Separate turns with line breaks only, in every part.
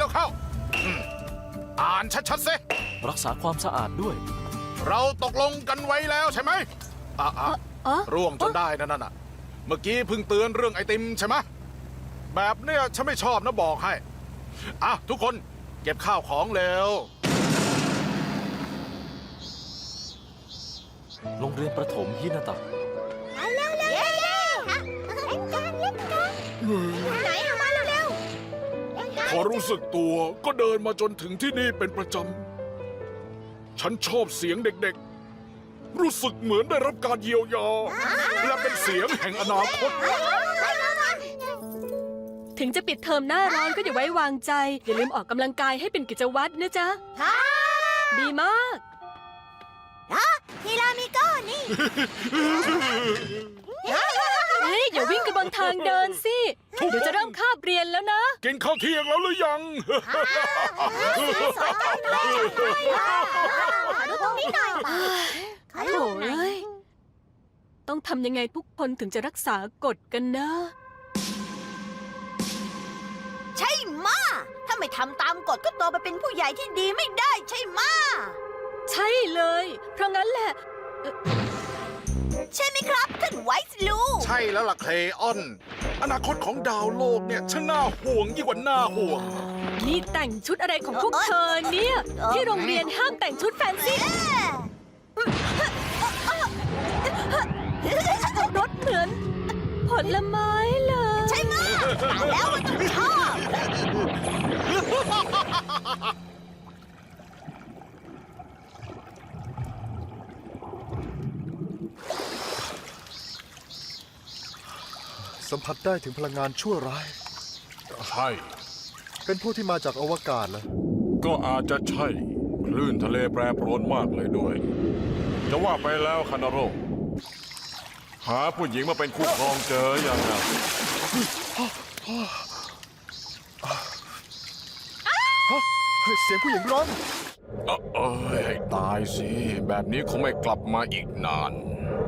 วเข้าอ่านชัดๆสิ
รักษาความสะอาดด้วย
เราตกลงกันไว้แล้วใช่ไหมร่วงจนได้นั่นน่ะเมื่อกี้เพิ่งเตือนเรื่องไอติมใช่ไหมแบบเนี้ยฉันไม่ชอบนะบอกให้ทุกคนเก็บข้าวของเร็ว
โรงเรียนประถมฮินาตะ
เร็วเร็วเร็วเล่นกันไหนมาเร็ว
พอรู้สึกตัวก็เดินมาจนถึงที่นี่เป็นประจำฉันชอบเสียงเด็กๆรู้สึกเหมือนได้รับการเยียวยาและเป็นเสียงแห่งอนาคต
ถึงจะปิดเทอมหน้าร้อนก็อย่าไว้วางใจอย่าลืมออกกำลังกายให้เป็นกิจวัตรนะจ๊ะดีมาก
ทีรามิโก้นี่
เฮ้ยอย่าวิ่งกันบนทางเดินสิเดี๋ยวจะเริ่มคาบเรียนแล้วนะ
กินข้าวเที่ยงแล้วหรือยัง
สอนกันเลยดูตรงนี้หน่อย
โถ่เอ้ยต้องทำยังไงทุกคนถึงจะรักษากฎกันนะ
ใช่มาถ้าไม่ทำตามกฎก็โตไปเป็นผู้ใหญ่ที่ดีไม่ได้ใช่มา
ใช่เลยเพราะงั้นแหละ
ใช่ไหมครับท่านไวส์ลู
ใช่แล้วล่ะเคลออนอนาคตของดาวโลกเนี่ยช่างน่าห่วงยิ่งกว่าน่าห่วง
นี่แต่งชุดอะไรของพวกเธอเนี่ยที่โรงเรียนห้ามแต่งชุดแฟนซีรถเหมือนผลไม้เลย
ใช่ไหมแล้วมันต้องชอบ
สัมผัสได้ถึงพลังงานชั่วร้าย
ใช่
เป็นผู้ที่มาจากอวกาศเหรอ
ก็อาจจะใช่คลื่นทะเลแปรปรวนมากเลยด้วยจะว่าไปแล้วคานาโรหาผู้หญิงมาเป็นคู่ครองเจออย่างนั้น
เสียงผู้หญิงร้อง
ให้ตายสิแบบนี้คงไม่กลับมาอีกนาน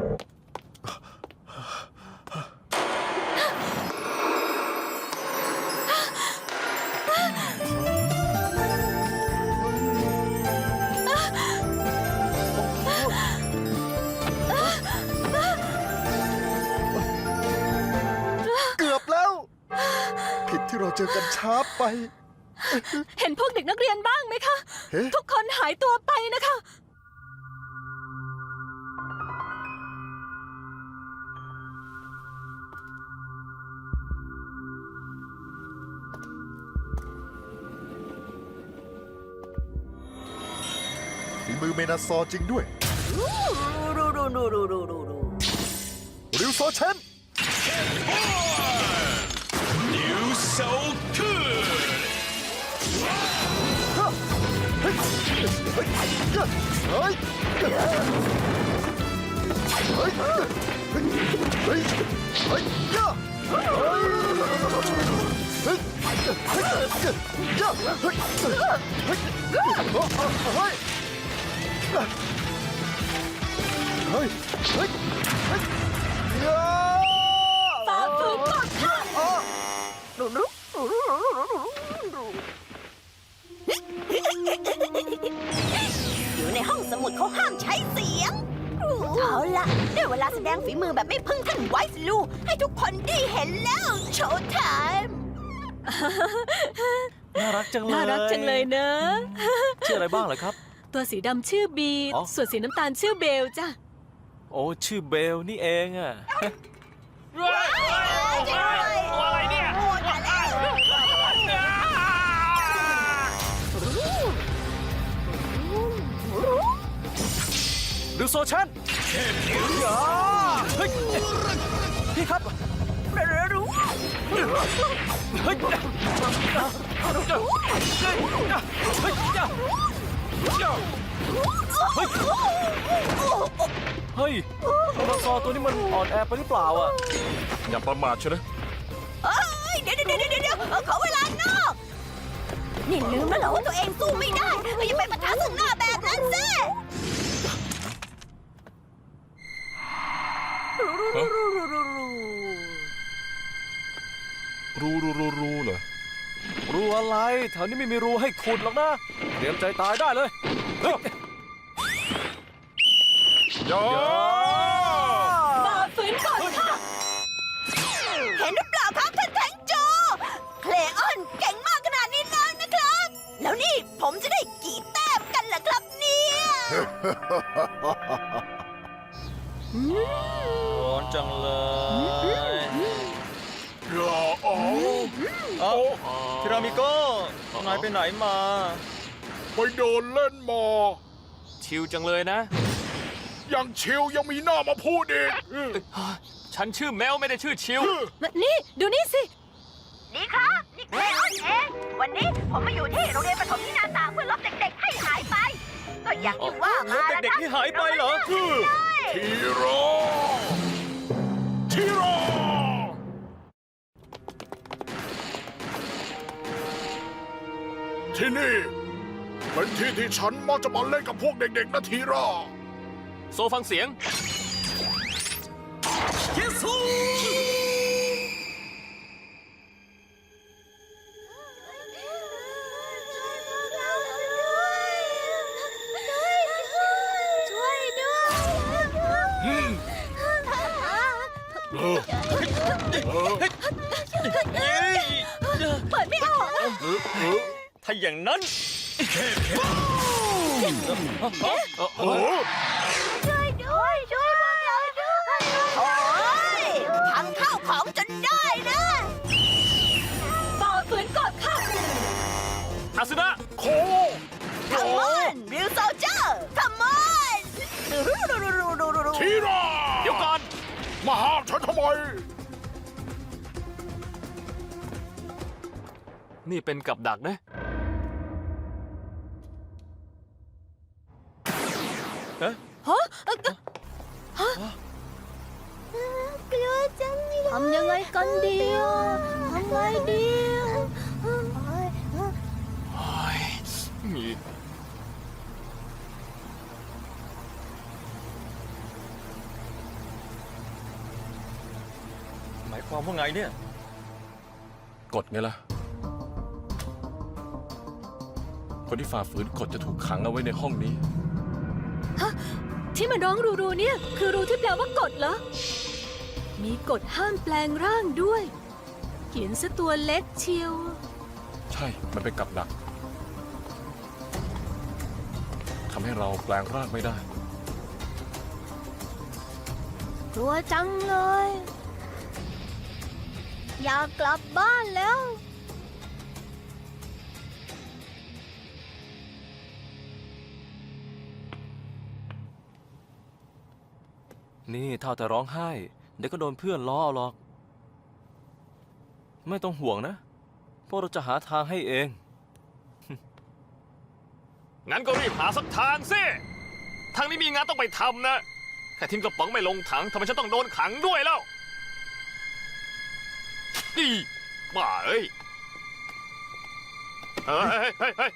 ที่เราเจอกันช้าไป
เห็นพวกเด็กนักเรียนบ้างไหมคะทุกคนหายตัวไปนะคะ
ฝีมือเมนาซอจริงด้วยริวโซเชน
So good!
เฮ้ย
ฝ่าฝืนกฎค่ะ
อยู่ในห้องสมุดเขาห้ามใช้เสียงเอาล่ะได้เวลาแสดงฝีมือแบบไม่พึ่งท่านไวส์ลูให้ทุกคนได้เห็นแล้วโชว์ไทม์
น่ารักจังเลย
น่ารักจังเลยเนอะ
ชื่ออะไรบ้างเหรอครับ
ตัวสีดำชื่อบีส่วนสีน้ำตาลชื่อเบลจ้ะ
โอ้ชื่อเบลนี่เองอะ
อะไรเนี่ย
ดูโซชันเฮ้ยพี่ครับเฮ้ยเฮ้ยเฮ้ยตัวซอตัวนี้มันอ่อนแอไปหรือเปล่าอ่ะ
อย่าประมาทใช่ไหม
เดี๋ยวขอเวลานอกนี่ลืมแล้วเหรอว่าตัวเองสู้ไม่ได้อย่าไปปะทะซึ่งหน้าแบบนั้นสิ
รู้เหรอ
รูอะไรแถวนี้ไม่มีรูให้ขุดหรอกนะเตรียมใจตายได้เลยเฮ้ย
โย
ฝ่าฝืนก่อนค่ะ
เห็นหรือเปล่าครับท่านแทงโจ เคลออนเก่งมากขนาดนี้แล้วนะครับ แล้วนี่ผมจะได้กี่แต้มกันล่ะครับเนี่ย
ร้อนจังเลย
อย่าเอา
เอ้าทีรามิโก้นายไปไหนมา
ไปเดินเล่นมา
ชิวจังเลยนะ
ยังชิวยังมีหน้ามาพูดอีก
ฉันชื่อแมวไม่ได้ชื่อชิว
นี่ ดูนี่สิ
นี่ครับนี่เคลออนเอง วันนี้ผมมาอยู่ที่โรงเรียนประถมที่นาตาเพื่อลบเด็กๆให้หายไป ก็อย่างที่ว่ามา
ลบเด็กๆที่หายไปเหรอ
ทีโรทีโรที่นี่เป็นที่ที่ฉันมักจะมาเล่นกับพวกเด็กๆนะทีโร
โซฟังเสียง
ช่วยด้วย เปิดไม่ออกอะ
ถ้าอย่างนั้น
โอ้
ช่วยด้วยช่วยพวกเราด้วยโอ้ยพังข้าวของจนได้นะ
ฝ่าฝืนก่อนค่ะ
อาซึนะ
โค
Come on real soldier Come on
ทีโร
เดี๋ยวก่อน
มาห้ามฉันทำไม
นี่เป็นกับดักนะเอ๊ะ
กลัวจังเลยทำยังไงกันดีอ่ะทำไงดีอ่ะ
หมายความว่าไงเนี่ย
กฎไงล่ะ คนที่ฝ่าฝืนกฎจะถูกขังเอาไว้ในห้องนี้
ที่มันร้องรูเนี่ย คือรูที่แปลว่ากฎเหรอ มีกฎห้ามแปลงร่างด้วย เขียนซะตัวเล็กเชียว
ใช่ มันเป็นกับดัก ทำให้เราแปลงร่างไม่ได้
กลัวจังเลย อยากกลับบ้านแล้ว
นี่เท่าแต่ร้องไห้ เดี๋ยวก็โดนเพื่อนล้อเอาหรอก ไม่ต้องห่วงนะ พวกเราจะหาทางให้เอง งั้นก็รีบหาสักทางสิ ทางนี้มีงานต้องไปทำนะ แค่ทิ้งกระป๋องไม่ลงถังทำไมฉันต้องโดนขังด้วยแล้วนี่บ้าเอ้ยเฮ้ยเฮ้ยเฮ้ย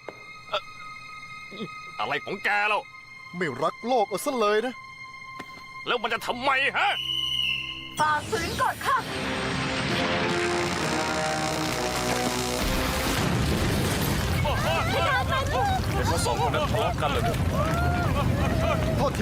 อะไรของแกแล้ว
ไม่รักโลกเอาซะเลยนะ
แล้วมันจะทำไมฮะ
ฝ่าฝืนก่อนค่ะ
เด็กเขาสองคนนั้นทะเลาะกันเลย
โทษที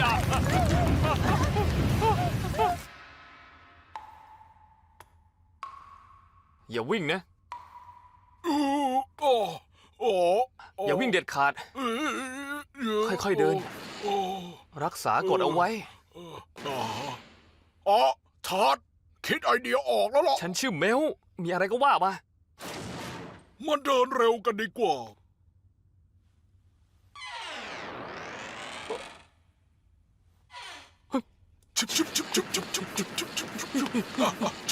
อย่าวิ่งนะ
โอ้โอ้
อย่าวิ่งเด็ดขาด ค่อยๆเดิน รักษากฎเอาไว้
อ๋อชาร์ดคิดไอเดียออกแล้วหรอ
ฉันชื่อเมล มีอะไรก็ว่ามา
มันเดินเร็วกันดีกว่าชุบชุบชุบชุบชุบชุบชุบชุบชุบ